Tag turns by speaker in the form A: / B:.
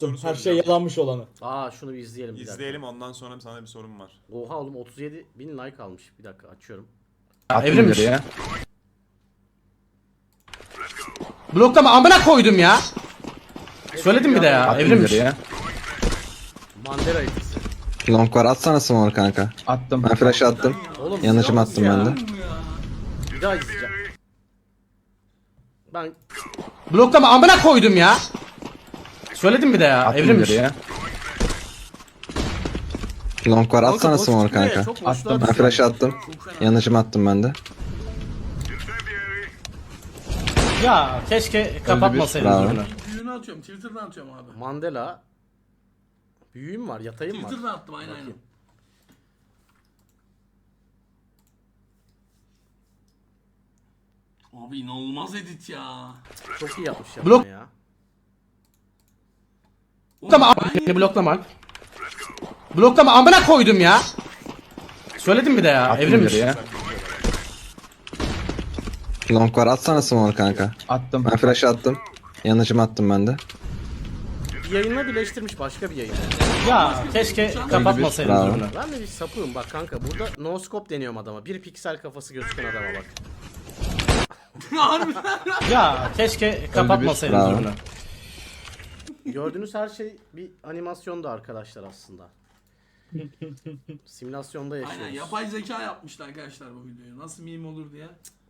A: Soru
B: Her şey
A: soracağım.
B: yalanmış olanı.
C: Aa şunu bir izleyelim bir dakika.
A: İzleyelim, ondan sonra sana bir sorum var.
C: Oha oğlum 37 bin like almış. Bir dakika açıyorum.
D: Evrimmiş. Ya. Bloklama amına koydum ya. Söyledim bir de ya. Evrimmiş.
E: Ya.
C: Mandela etkisi.
E: Long var, atsana smoke kanka.
D: Attım.
E: Ben flash attım.
C: Oğlum
E: Yanıcım
C: silahsız
E: attım
C: ya.
E: ben de.
C: Bir daha izleyeceğim. Ben
D: Bloklama amına koydum ya. Söyledim bir de ya. Evrimmiş.
E: Ya. Long var, atsana
C: boş
E: smoke
C: çıkıyor ya,
E: kanka.
C: çok boşluğa
D: Attım.
E: Ben
C: düşüyor.
E: flash attım. Yanıcım attım ben de.
D: Ya keşke kapatmasaydınız
E: Bravo.
D: bunu.
F: Büyüğünü atıyorum. Twitter'dan atıyorum abi.
C: Mandela. Büyüğüm var, yatayım var.
F: Twitter'dan attım aynen aynen.
C: Bakayım.
F: Abi inanılmaz edit ya.
C: Çok iyi yapmış ya.
D: Blok-
C: ya.
D: Bloklama
F: Ben
D: beni bloklama. Bloklama amına koydum ya. Söyledim bir de ya. Evrimmiş.
E: Ya. Long var, atsana smoke kanka.
D: Attım.
E: Ben flash attım. Yanıcım attım ben de.
C: Bir yayınla birleştirmiş başka bir yayın.
D: Ya keşke kapatmasaydınız
E: Bravo.
D: bunu.
C: Ben de bir sapığım bak kanka. Burada no scope deniyorum adama. Bir piksel kafası gözüken adama bak.
F: harbiden.
D: Ya keşke kapatmasaydınız
E: Bravo.
D: bunu.
C: Gördüğünüz her şey bir animasyondu arkadaşlar aslında. Simülasyonda yaşıyoruz.
F: Aynen yapay zeka yapmışlar arkadaşlar bu videoyu. Nasıl meme olur diye.